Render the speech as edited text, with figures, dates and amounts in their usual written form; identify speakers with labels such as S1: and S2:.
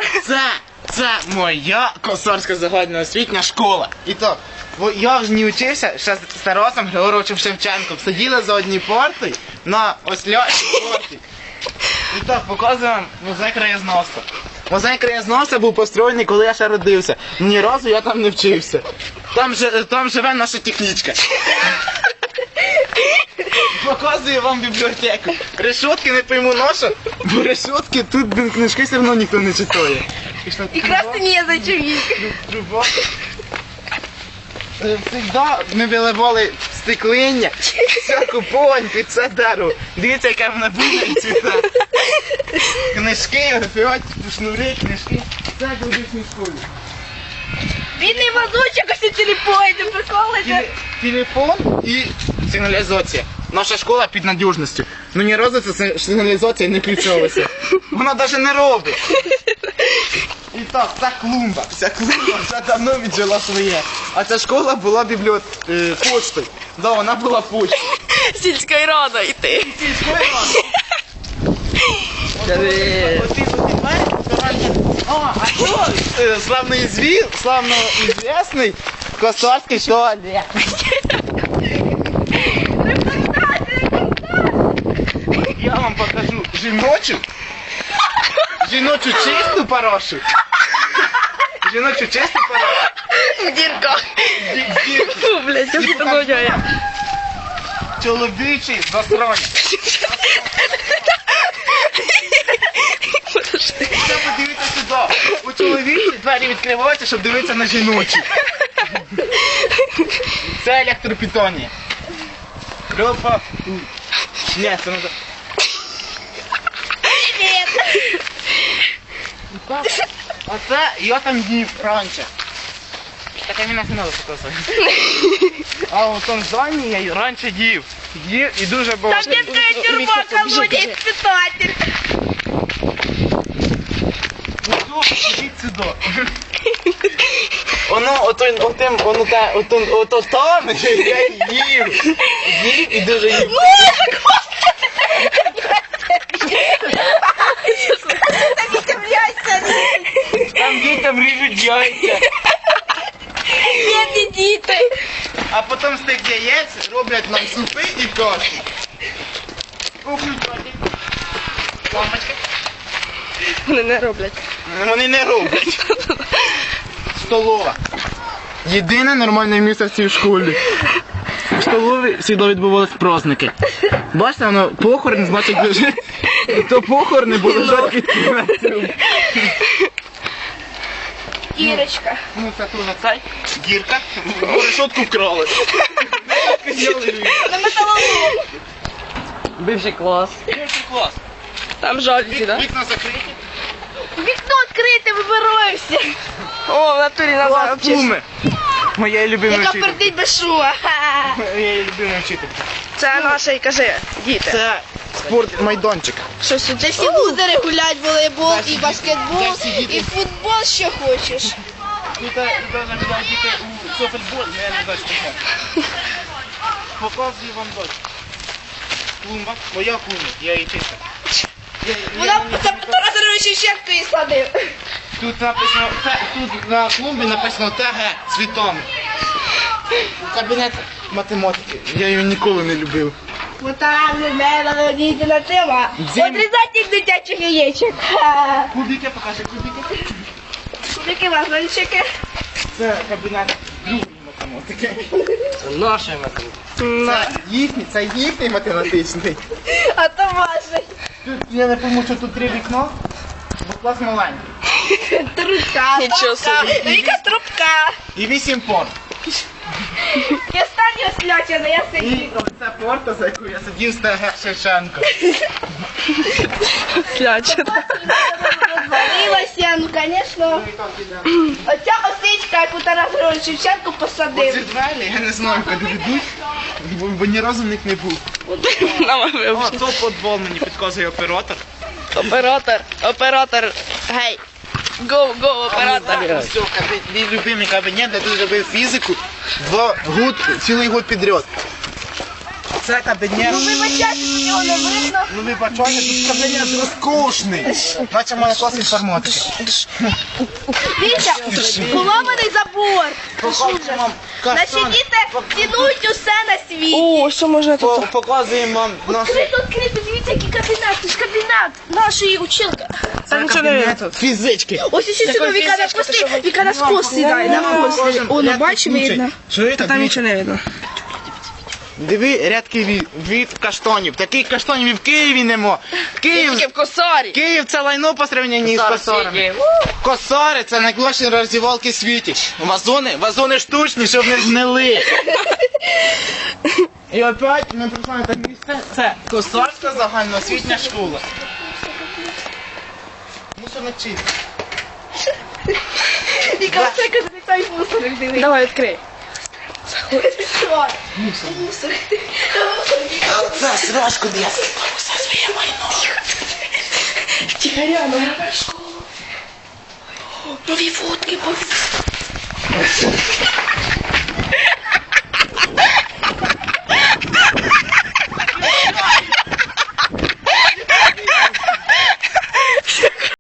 S1: Це моя Косарська загальноосвітня школа. І то, я вже не вчився ще з Тарасом Григоровичем Шевченком. Сиділи за одні парти на ось ляші парті. І так, показую вам музей краєзнавства. Музей краєзнавства був построєний, коли я ще родився. Ні разу я там не вчився. Там живе наша технічка. Показую вам бібліотеку. Решетки не пойму наша, бо решетки тут книжки все одно ніхто не читає.
S2: І красти не зачем їх.
S1: Всегда ми виливали стеклиння, всяку погонь під це дерево. Дивіться, яке воно буде і цвіте. Книжки, графіот, шнури, книжки. Це в колишній школі.
S2: Бідний мазочок, ось телефон, ти приколиться.
S1: Телефон і сигналізація. Наша школа під надіжністю. Ну ні разу ця сигналізація не включалася. Вона навіть не робить. І так, ця клумба. Ця клумба вже давно віджила своє. А ця школа була почтою. Да, вона була почтою.
S2: Сільської ради йти.
S1: Сільської ради. А що? Славно известний Косарський туалет. Я вам покажу жіночу чисту парашу. Жіночу чисту парашу.
S2: В дірках. Фу, блядь, я що це
S1: чоловічий засранець. Треба подивитися сюди. У чоловічі двері відкриваються, щоб дивитися на жіночі. Це електропітонія. Група. Ні, це не так. А це я там їв раніше. Так я мене не треба показувати. А у тому зоні я раніше їв. Їв і дуже багато.
S2: Там детская тюрьма, колония, испытатель.
S1: Ну, ідіть сюди. Ото там я їв. Їв і дуже їв. Там дітям ріжуть яйця.
S2: Бідні діти.
S1: А потім з тих яєць роблять нам супи і кашу. Включати. Лампочка.
S2: Вони не роблять.
S1: Вони не роблять. Столова. Єдине нормальне місце в цій школі. В столові завжди відбувалися праздники. Бачите, воно похорон, значить, то похорони були жаркі.
S2: Ірочка.
S1: Ну це тут на цей. Гірка. Решетку вкрали.
S2: На металолом.
S3: Бивший клас.
S1: Бивший клас.
S2: Там жальці, да?
S1: Вікна закриті.
S2: Вікно відкрите, вибираємося. О, в натурі нам
S1: Клас
S2: зараз
S1: Куми. Моя любима
S2: яка
S1: вчителька.
S2: пердить без шума.
S1: Моя любима вчителька.
S2: Це наша, і кажи, діти.
S1: Це спортмайданчик.
S2: Що сюди всі лузери гулять, волейбол,
S1: Де всі
S2: і
S1: діти?
S2: баскетбол,
S1: Де всі діти?
S2: і футбол, що хочеш.
S1: Тут навіть діти у софтбол, я не знаю, що. Показую вам дощ. Клумба, моя клумба, я її чистив.
S2: Вона Тарас Григорович Шевченко її садив.
S1: Тут написано, тут на клумбі написано ТГ цвітом. Кабінет математики. Я її ніколи не любив.
S2: Вот там не дійдена тема. Отрізати дитячих яєчок.
S1: Кубики, покажи кубики.
S2: Кубики вазончики.
S1: Це кабінет другої математики.
S3: Це наша математика.
S1: Це їхній математичний.
S2: А то ваше.
S1: Тут я не пойму, що тут 3 вікна, бо клас маленький.
S2: Трубка.
S3: Нічого собі.
S2: Віка трубка.
S1: І 8 порт.
S2: Я останнього слячена, я
S1: І
S2: сидів.
S1: оце порта, за яку я сидів з ТГ Шевченко.
S3: Слячена.
S2: Розвалилася, ну, звісно. Оця осичка, яку Тарас Григорович Шевченко
S1: Оці
S2: посадив.
S1: двері, я не знаю, куди ведуть, бо ні разу в них не був.
S3: Нам
S1: О, то футбол мені підказує оператор.
S3: Оператор. Гей. Го, оператор.
S1: Все, мій любимий кабінет, де ти робив фізику, цілий год підряд. Це кабінет.
S2: Ну вибачайте, що його не видно.
S1: Ну ви бачите, тут кабінет розкошний. Наче в мене клас інформатики.
S2: Вітя, поломаний забор.
S1: Показуємо вам
S2: Наші
S1: каштани.
S2: діти цінують усе на світі.
S3: О, що можна тут?
S1: Показуємо вам нашу...
S2: Відкрито, дивіться, який кабінет. Це ж кабінет нашої училки.
S3: Та нічого не видно тут.
S1: Фізички.
S2: Ось ще сюди Віка на хвости. Віка на хвост сідає, на хвост. О, ну бачиш, видно.
S1: Чуєте?
S3: Там нічого не видно.
S1: Диви рядки від каштанів. Таких каштанів і в Києві нема.
S3: Тільки в косарі.
S1: Київ це лайно по сравненні з косарами. Косари це найкращі роздівалки в світі. Вазони штучні, щоб не згнили. І опять ми прийшли на те місце. Це Косарська загальноосвітня школа. Мусорник чистий.
S2: Віка, це кабінет мусорик, дивись.
S3: Давай, відкрий.
S2: Мусор.
S1: Це срочку для все своє майно.
S2: Тихаря, ну школу. Нові фотки,